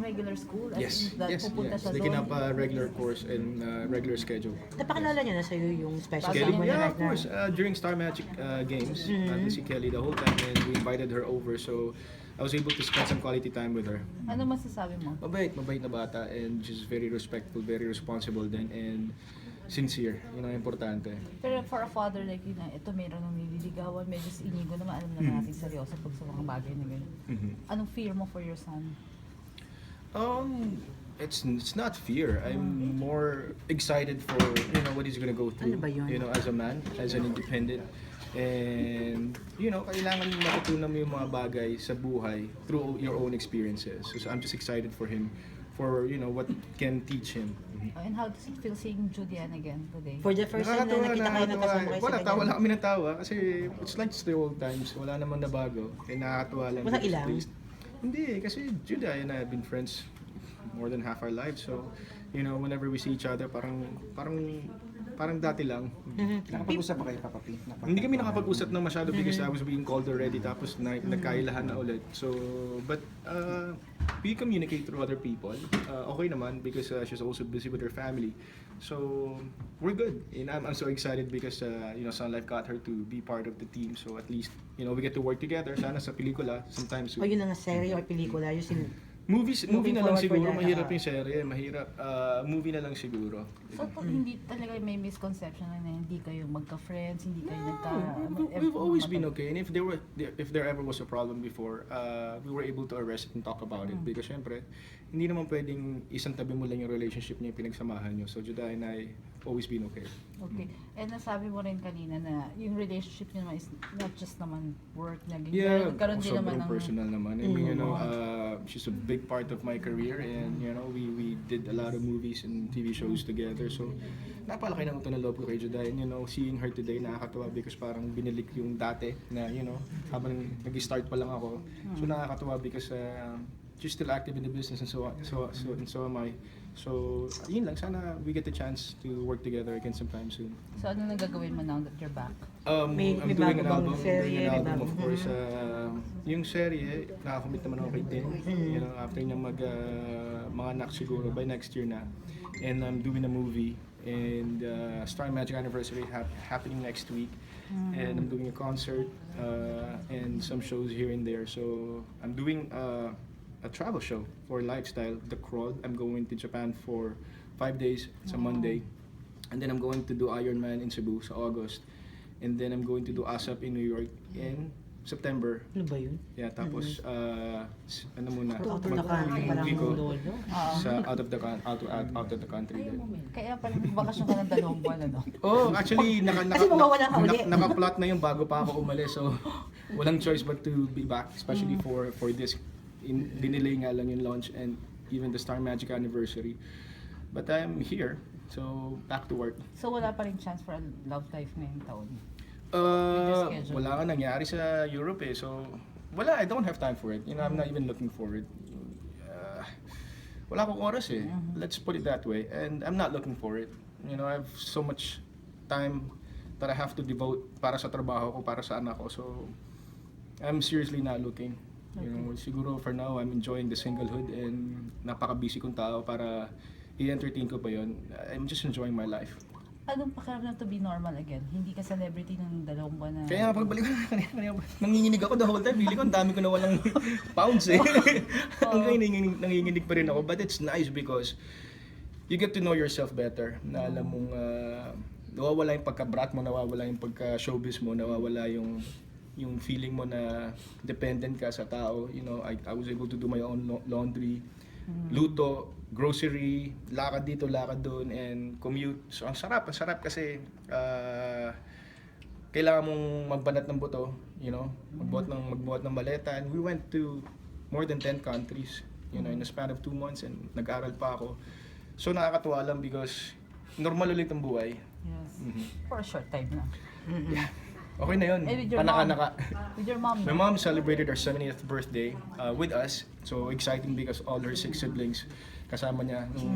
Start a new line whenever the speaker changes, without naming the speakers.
regular school?
Yes,
In that
yes,
pupunta
yes.
siya
Taking
doon?
up a regular course and regular schedule.
Napakilala niya na sa'yo yung special
Kelly?
mo
Yeah,
na
of course. During Star Magic games, si Kelly the whole time, and we invited her over, so I was able to spend some quality time with her.
Ano masasabi mo?
Mabait na bata, and she's very respectful, very responsible din, and sincere. Yun ang importante.
Pero for a father like you na, ito meron ng nililigawan, medyo inigo naman, alam naman natin seryoso pag sa mga bagay na gano'n. Anong fear mo for your son?
It's not fear. I'm more excited for what he's gonna go through.
Ano ba yun?
As a man, as an independent, and kailangan matutunan mo yung mga bagay sa buhay through your own experiences. So I'm just excited for him, for what can teach him.
And how does it feel seeing Julian again today?
For the first time na nakita kayo nakasama kayo
Wala,
sa
tawa
ganyan.
lang kami ng tawa kasi it's like the old times. Wala naman na bago. Kaya nakakatuwa lang.
Walang
because
ilang?
at least- Hindi, kasi Judah and I have been friends more than half our lives. So, whenever we see each other, parang dati lang.
Nakapag-usap pa kayo, Papa P?
Hindi kami nakapag-usap na masyado because I was being called already, tapos nagkailahan na ulit. So, but we communicate through other people. Okay naman because she's also busy with her family. So, we're good. And I'm so excited because Sun Life got her to be part of the team. So at least, we get to work together. Sana sa pelikula, sometime soon.
O yun na nga, serye or pelikula, yung
Movie
Looking
na lang
forward for
siguro,
that,
mahirap yung serye, mahirap. Movie na lang siguro.
So hindi talaga may misconception na hindi kayo magka-friends, hindi kayo
We've always been okay, and if there ever was a problem before, we were able to arrest it and talk about it. Because syempre, hindi naman pwedeng isang tabi mo lang yung relationship niya, yung pinagsamahan niyo. So Judah and I always been okay.
Okay. And nasabi mo rin kanina na yung relationship niyo naman is not just naman work na ganyan.
Yeah,
Nagkaroon din naman
sobrang
ng
personal naman. I mean, she's a big part of my career, and we did a lot of movies and TV shows together. So napalaki ng utang na loob ko kay Judah, and seeing her today nakakatuwa because parang binalik yung dati na habang nag-start pa lang ako. So nakakatuwa because she's still active in the business, and so am I. So yun lang, sana we get the chance to work together again sometime soon.
So ano nang gagawin mo now that you're back?
May
I'm doing an
bago bang
album,
serye, may bago-
of course. Yung serye, nakakommit naman ako kay Tin. After niya mga anak siguro, by next year na. And I'm doing a movie, and Star Magic Anniversary happening next week. And I'm doing a concert and some shows here and there. So I'm doing a travel show for lifestyle, The Crawl. I'm going to Japan for 5 days. It's a Monday. And then I'm going to do Ironman in Cebu sa August. And then I'm going to do ASAP in New York in September.
Ano ba yun?
Yeah, tapos ano muna,
Out of the country, parang
mag-uwi ko
lolo.
sa out of the country din.
Kaya pala nagbakasyon ka ng 2 buwan, ano?
Oh, actually
Kasi mawawala ka uli.
naka-plot na yung bago pa ako umalis, so walang choice but to be back, especially for this. Dinelay nga lang yung launch and even the Star Magic Anniversary. But I'm here, so back to work.
So wala pa rin chance for a love life ngayong taon? schedule?
Wala nga nangyari sa Europe so wala, I don't have time for it. I'm not even looking for it. Wala akong oras Let's put it that way. And I'm not looking for it. I have so much time that I have to devote para sa trabaho ko, para sa anak ko. So I'm seriously not looking. Siguro for now, I'm enjoying the singlehood and napaka-busy kong tao para i-entertain ko pa yon. I'm just enjoying my life.
Anong pakiramdam to be normal again? Hindi ka celebrity ng 2 buwan na...
Kaya pagbalik ko kanina, nanginginig ako the whole time. Bili ko, ang dami ko na walang pounds Hanggang nanginginig pa rin ako. But it's nice because you get to know yourself better. Na alam mong nawawala yung pagka-brat mo, nawawala yung pagka-showbiz mo, nawawala yung feeling mo na dependent ka sa tao. I was able to do my own laundry, luto, grocery, lakad dito, lakad doon, and commute. So ang sarap kasi kailangan mong magbanat ng buto, magbuhat ng maleta. And we went to more than 10 countries, in a span of 2 months, and nag-aral pa ako. So nakakatuwa lang because normal ulit ang buhay.
Yes. For a short time lang.
Yeah. Okay na yun.
With your
Panaka-naka.
With your mom,
My mom celebrated her 70th birthday with us. So exciting because all her 6 siblings kasama niya.